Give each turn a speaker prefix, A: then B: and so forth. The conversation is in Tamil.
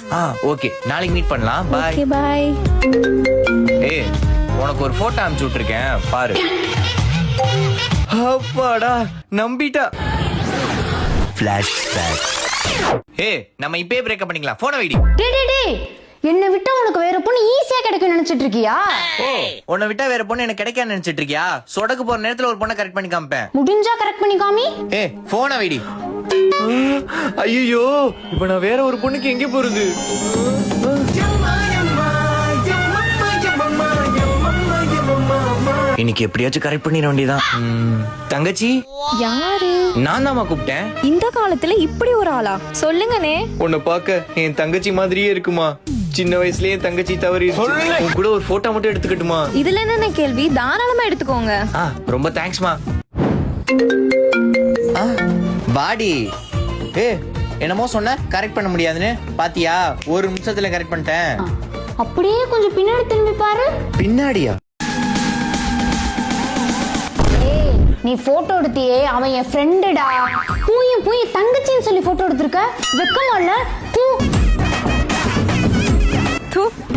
A: ஓகே, நாளைக்கு மீட் பண்ணலாம். பை.
B: Okay bye.
A: ஏய், உனக்கு ஒரு போட்டோ அனுப்பிச்சு விட்டுருக்கேன், பாரு. அப்பாடா, நம்பிட்டா. ஃபிளாஷ்பேக். ஏய், நம்ம இப்பவே பிரேக்கப் பண்ணிக்கலாம். போனை வைடி.
C: டேய் என்ன விட்டா உனக்கு வேற பொண்ணு ஈஸியா கிடைக்கும் நினைச்சிட்டு இருக்கியா?
A: ஓ, உன்னை விட்டா வேற பொண்ணு எனக்கு கிடைக்காது நினைச்சிட்டு இருக்கியா? சொடக்கு போற நேரத்துல ஒரு பொண்ணை கரெக்ட் பண்ணி காமிப்பேன்.
C: முடிஞ்சா கரெக்ட் பண்ணி காமி.
A: ஏய், போனை வைடி. ஐயோ, இப்ப நான் வேற ஒரு பொண்ணுக்கு எங்க போறது? இன்னைக்கு எப்படியாச்சும் கரெக்ட் பண்ணிட வேண்டியதான். தங்கச்சி,
B: யாரு?
A: நான் தான்மா கூப்பிட்டேன்.
B: இந்த காலத்துல இப்படி ஒரு ஆளா? சொல்லுங்கனே.
A: உன்னை பார்க்க என் தங்கச்சி மாதிரியே இருக்குமா? சின்ன வயசுலயே என் தங்கச்சி தவறி உன் கூட ஒரு போட்டோ மட்டும் எடுத்துக்கட்டுமா?
B: இதுல என்ன கேள்வி? தாராளமா எடுத்துக்கோங்க.
A: ரொம்ப தேங்க்ஸ்மா. பாடி. என்னமோ சொன்ன கரெக்ட் பண்ண முடியாதுன்னு பாத்தியா? ஒரு நிமிஷத்துல கரெக்ட் பண்ணிட்டேன்.
C: அப்படியே கொஞ்சம் பின்னாடி திரும்பி பாரு.
A: பின்னாடியா?
C: நீ போட்டோ எடுத்தியே, அவன் என் ஃப்ரெண்டுடா. பூயும் தங்கச்சின்னு சொல்லி போட்டோ எடுத்திருக்க. வெக்கமா இல்ல?
B: தூ.